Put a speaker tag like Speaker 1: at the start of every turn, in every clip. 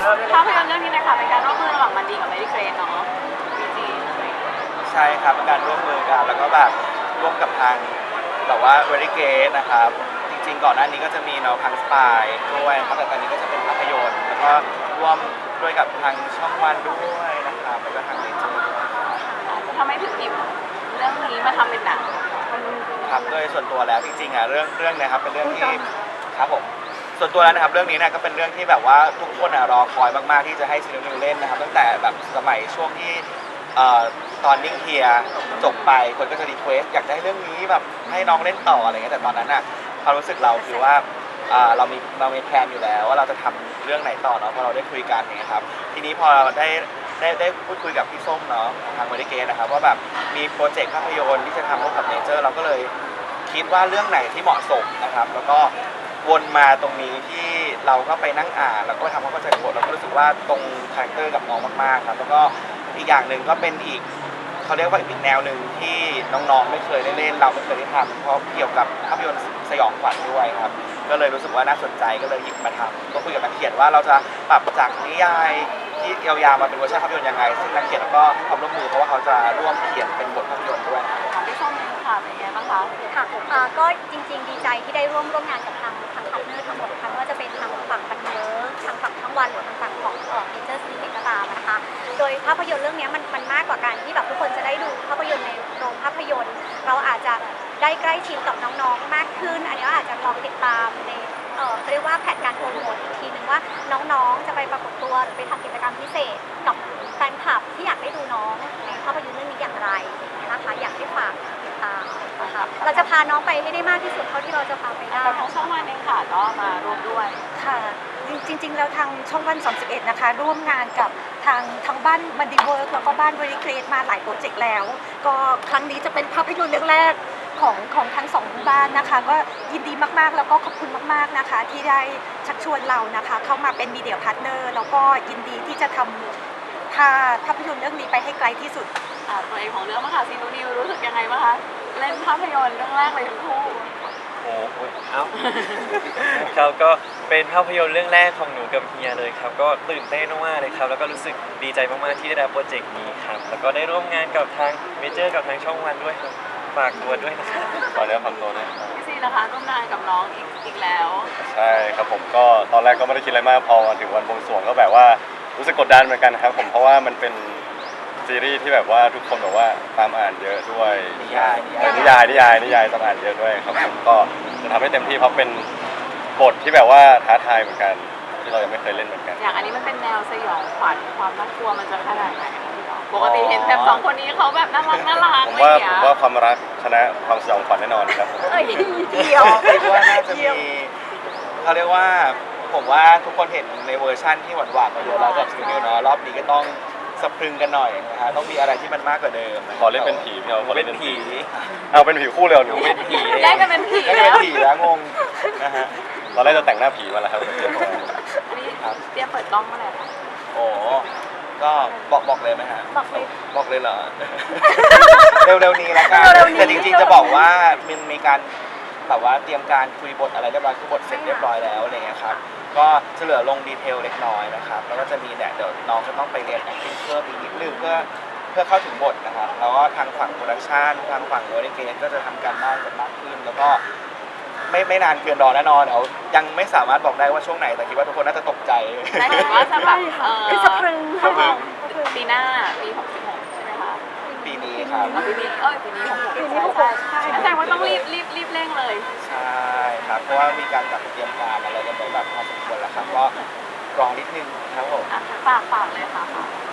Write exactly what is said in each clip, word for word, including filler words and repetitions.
Speaker 1: ภาพยนตร์เรื่องนี้นะคะเป็นการร่วมมือระหว่างมันดีกับเมดิเกรนเนาะบีจี
Speaker 2: ใช่ครับเป็นการร่วมมือกันแล้วก็แบบร่วมกับทางแบบว่าเวริเกตนะครับจริงๆก่อนหน้านี้ก็จะมีแนวทางสไตล์ด้วยครับแต่ตอนนี้ก็จะเป็นภาพยนตร์แล้วก็ร่วมด้วยกับทางช่องวันด้วยนะครับแล้วก็ทางเนเจอร์ด้วย
Speaker 1: ทำไมถึงหยิบเรื่องนี้มาทำเป็นหนัง
Speaker 2: ครับโดยส่วนตัวแล้วจริงๆอ่ะเรื่องเรื่องนี้ครับเป็นเรื่องที่ครับผมส่วนตัวแล้วนะครับเรื่องนี้เนี่ยก็เป็นเรื่องที่แบบว่าทุกคนอ่ะรอคอยมากๆที่จะให้ซีรีส์เล่นนะครับตั้งแต่แบบสมัยช่วงที่ตอนนิ่งเฮียจบไปคนก็จะรีเควสอยากได้เรื่องนี้แบบให้น้องเล่นต่ออะไรเงี้ยแต่ตอนนั้นอ่ะความรู้สึกเราคือว่าเรามีเรามีแพลนอยู่แล้วว่าเราจะทำเรื่องไหนต่อเนาะพอเราได้คุยกันอย่างเงี้ยครับทีนี้พอเราได้ได้ได้พูดคุยกับพี่ส้มเนาะทางเมดิเกตนะครับว่าแบบมีโปรเจกต์ภาพยนตร์ที่จะทำร่วมกับเนเจอร์เราก็เลยคิดว่าเรื่องไหนที่เหมาะสมนะครับแล้วก็วนมาตรงนี้ที่เราก็ไปนั่งอ่านแล้วก็ทำความเข้าใจบทเราก็รู้สึกว่าตรงคาแรคเตอร์กับน้องมากๆครับแล้วก็อีกอย่างหนึ่งก็เป็นอีกเขาเรียกว่าอีกแนวหนึ่งที่น้องๆไม่เคยได้เล่นเราไม่เคยได้ทำเพราะเกี่ยวกับภาพยนตร์สยองขวัญด้วยครับก็เลยรู้สึกว่าน่าสนใจก็เลยหยิบมาทำก็คุยกับนักเขียนว่าเราจะปรับจากนิยายที่ยาวๆมาเป็นเวอร์ชันภาพยนตร์ยังไงซึ่งนักเขียนก็ให้ความร่วมมือเพราะว่าเขาจะร่วมเขียนเป็นบทภาพยนตร์ด้วย
Speaker 1: ของพี่ส้มค่ะเป็นไงบ้างคะ
Speaker 3: ค่ะก็จริงๆดีใจที่ได้ร่วมร่วมงานกับทางทางพาร์ทเนอร์ทั้งหมดค่ะไม่ว่าจะเป็นทางฝั่งบันเทิงทางฝั่งทั้งวันหรือทางฝั่งของเอ่อเนเจอร์ซีรีส์ก็ตามนะคะโดยภาพยนตร์เรื่องนี้มันมันมากกว่าการที่แบบทุกคนจะได้ดูภาพยนตร์ในโรงภาพยนตร์เราอาจจะได้ใกล้ชิดกับน้องๆมากขึ้นอันนี้อาจจะลองติดตามในเอ่อเรียกว่าแผนการโปรโมทอีกทีนึงว่าน้องๆจะไปปรากฏตัวหรือไปทำกิจกรรมพิเศษกับแฟนคลับที่อยากได้ดูน้องในภาพยนตร์เรื่องนี้อย่างไรนะคะอยากให้ฝากติดตามนะคะเราจะพาน้องไปให้ได้มากที่สุดเท่าที่เราจะพาไปได้
Speaker 1: แต่ทางช่องวันเองค่ะก็มาร่วมด้วย
Speaker 4: ค่ะจริงๆแล้วทางช่องวันสามสิบเอ็ดนะคะร่วมงานกับทางทางบ้านมันดีเวิร์กแล้วก็บ้านเวริเกรดมาหลายโปรเจกต์แล้วก็ครั้งนี้จะเป็นภาพยนตร์เรื่องแรกของของทั้งสองบ้านนะคะก็ยินดีมากๆแล้วก็ขอบคุณมากๆนะคะที่ได้ชักชวนเรานะคะเข้ามาเป็นมีเดียพาร์ทเนอร์แล้วก็ยินดีที่จะทำพาภาพยนตร์เรื่องนี้ไปให้ไกลที่สุด
Speaker 1: ตัวเองของเรื่องมาค่ะซีนูนิวรู้สึกยังไงบ้างคะเล่นภาพยนตร์เรื่องแรกเลยทั้งคู่
Speaker 5: โอ้โหเอ้าครับก็เป็นภาพยนตร์เรื่องแรกของหนูกับเฮียเลยครับก็ตื่นเต้นมากๆเลยครับแล้วก็รู้สึกดีใจมากๆที่ได้รับโปรเจกต์นี้ครับแล้วก็ได้ร่วมงานกับทางเมเจอร์กับทางช่องวันด้วยครับฝากตัวด้วยนะครับ
Speaker 6: ตอนนี้ฟังตัวด้วย
Speaker 1: พี่ซีนะคะร่วมงานกับน้องอีกอีกแล้ว
Speaker 6: ใช่ครับผมก็ตอนแรกก็ไม่ได้คิดอะไรมากพอถึงวันบวงสรวงก็แบบว่ารู้สึกกดดันเหมือนกันครับผมเพราะว่ามันเป็นซีรีส์ที่แบบว่าทุกคนแบบว่าตามอ่านเยอะด้วย
Speaker 2: นิยาย
Speaker 6: นิยายนิยายนิยายตามอ่านเยอะด้วยครับผมก็จะทำให้เต็มที่เพราะเป็นบทที่แบบว่าท้าทายเหมือนกันที่เรายังไม่เคยเล่นเหมือนกัน
Speaker 1: อย่างอันนี้มันเป็นแนวสยองขวัญความน่ากลัวมันจะขนาดไหนปกติเห็นแบบสองคนนี้เขาแบบน่ารักน่ารัก
Speaker 6: ผมว่าผมว่าความรักชนะความสยองขวัญแน่นอนครับ
Speaker 3: เอ้ยเดียว
Speaker 2: คิดว่าน่าจะมีเขาเรียกว่าผมว่าทุกคนเห็นในเวอร์ชั่นที่หวานๆมาเยอะแล้วกับซีรีส์เนาะรอบนี้ก็ต้องสะพรึงกันหน่อยนะฮะต้องมีอะไรที่มันมากกว่าเดิม
Speaker 6: ขอเล่นเป็นผีพี่เอาขอเล่น
Speaker 2: เป็นผี
Speaker 6: เอาเป็นผีคู่เลยหนู
Speaker 2: เป็นผี
Speaker 1: ได้กันเป็นผี
Speaker 2: ได้กันเป็นผีแล้วงงนะฮะ
Speaker 6: ตอนแรกจะแต่งหน้าผีมาแล้วครับ
Speaker 1: อันนี้เตรียมเปิดกล้องเมื่อไหร่คะ
Speaker 2: โอ้ก็บอกบอกเลยไหมฮะ
Speaker 3: บอกเลย
Speaker 2: บอกเลยเหรอเร็วๆนี้แล้วกันแต่จริงๆจะบอกว่ามันมีการแบบว่าเตรียมการคุยบทอะไรเรียบร้อยคือบทเสร็จเรียบร้อยแล้วอะไรเงี้ยครับก็จะเหลือลงดีเทลเล็กน้อยนะครับแล้วก็จะมีเนี่ยเดี๋ยวน้องจะต้องไปเรียน acting เพิ่มอีกนิดนึงเพื่อเพื่อเข้าถึงบทนะครับแล้วก็ทางฝั่งโปรดักชันทางฝั่งโรดิเกตก็จะทำการบ้านกันมากขึ้นแล้วก็ไม่ไม่นานเกินรอแน่นอนเดี๋ยวยังไม่สามารถบอกได้ว่าช่วงไหนแต่คิดว่าทุกคนน่าจะตกใจ
Speaker 1: แต่เห็นว่าจะแบบเออ
Speaker 3: สะพรึง
Speaker 1: ปีหน้าปีหกสิบหกใช่ไหมคะ
Speaker 2: ปีนี้ครับ
Speaker 1: ปีนี้เอ้ยปีนี้หกสิบปีนี้หกสิบใช่แสดงว่าต้องรีบรีบรีบเร่งเลย
Speaker 2: ใช่ครับเพราะว่ามีการจัดเตรียมการอะไรกันไปแบบพอสมควรแล้วครับก็รอนิดนึงครับผม
Speaker 1: ฝากฝากเลยค่ะ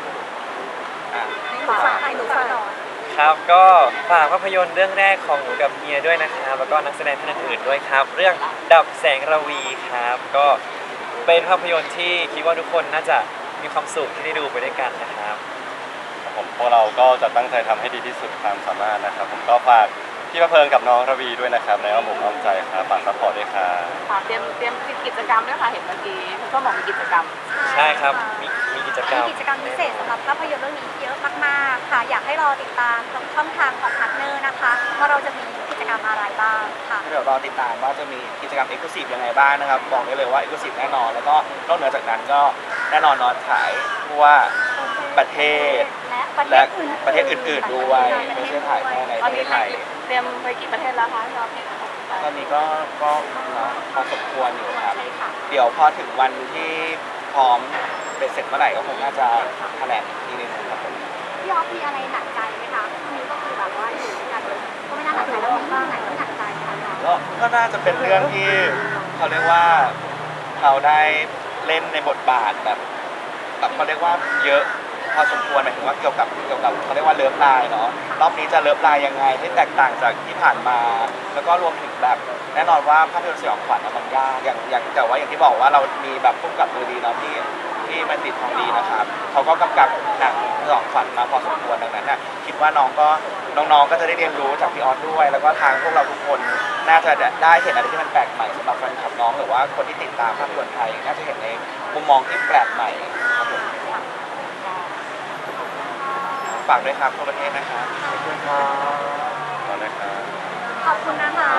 Speaker 3: ฝากให้หนูฝาก
Speaker 5: ครับก็ฝากภาพยนตร์เรื่องแรกของหนูกับเฮียด้วยนะครับแล้วก็นักแสดงท่านอื่นๆด้วยครับเรื่องดับแสงระวีครับก็เป็นภาพยนตร์ที่คิดว่าทุกคนน่าจะมีความสุขที่ได้ดูไปด้วยกันนะครับ
Speaker 6: ผมพวกเราก็จะตั้งใจทำให้ดีที่สุดความสามารถนะครับผมก็ฝากพี่พะเพิงกับน้องระวีด้วยนะครับในอ้อมอกอ้อมใจครับฝากซัพพอร์ตด้วยค่ะ
Speaker 1: เตรียมเตรียมกิจกรรมด้วยค่ะเห็นเมื่อกี้ก็บอกมีกิจกรรม
Speaker 5: ใช่ครับมีมีกิจกรรม
Speaker 3: มีกิจกรรมพิเศษสำหรับภาพยนตร์เรื่องนี้เยอะมากๆค่ะอยากให้รอติดตามทางช่องทางของพาร์ทเนอร์นะคะว่าเราจะมีกิจกรรมอะไรบ้างค่ะ
Speaker 2: เดี๋ยวรอติดตามว่าจะมีกิจกรรม Exclusive ยังไงบ้างนะครับบอกได้เลยว่า Exclusive แน่นอนแล้วก็นอกเหนือจากนั้นก็แน่นอนเนอนฉายทั่วประเทศ
Speaker 3: และประเท
Speaker 2: และ
Speaker 3: ศอื่นๆ
Speaker 2: ประเทศอื่นๆด้วยไม่ใช่ถ่ายแค่ใน
Speaker 1: ต
Speaker 2: ป
Speaker 1: อน
Speaker 2: ระเท
Speaker 1: นี้
Speaker 2: ศ
Speaker 1: ไป
Speaker 2: ไทย
Speaker 1: เตรียมไปกี่ประเทศแล้วคะที่เราเห็น
Speaker 2: ตอนนี้ก็ก็เนาะพอสมควรอยู่ครับ
Speaker 3: ใช่ค่ะ
Speaker 2: เดี๋ยวพอถึงวันที่พร้อมเป็นเสร็จเมื่อไหร่ก็คงน่าจะแถลงอีกทีหนึงครับผม
Speaker 3: พี่ออฟมีอะไรหนักใจไหมคะช่วงนี้ก็คือแบบว่าอยู่ด้วยกันก็ไม่น่าหนักใจแล้วมีบ้างไหนที่หนักใจไหมคะ
Speaker 2: ก็ก็น่าจะเป็นเรื่องที่เขาเรียกว่าเขาได้เล่นในบทบาทแบบแบบเขาเรียกว่าเยอะพอสมควรหมายถึงว่าเกี่ยวกับเกี่ยวกับเขาเรียกว่าเลิฟไลน์เนาะรอบนี้จะเลิฟไลน์ยังไงให้แตกต่างจากที่ผ่านมา แล้วก็รวมถึงแบบแน่นอนว่าภาพยนตร์สยองขวัญอะมันยากอย่างอย่างแต่ว่าอย่างที่บอกว่าเรามีแบบพุ่มกับมือดีเนาะที่ที่มันติดทองดีนะครับเขาก็กำกับหนังสยองขวัญมาพอสมควรดังนั้นน่ะคิดว่าน้องก็น้องๆก็จะได้เรียนรู้จากพี่ออสด้วย แล้วก็ทางพวกเราทุกคนน่าจะได้เห็นอะไรที่มันแปลกใหม่สำหรับแฟนคลับน้องหรือว่าคนที่ติดตามภาพยนตร์ไทยน่าจะเห็นในมุมมองที่แปลกใหม่ครับผมฝากด้วยครับทั่วประเทศนะครับ
Speaker 6: ตอนแรกครับ
Speaker 3: ขอบคุณนะคะ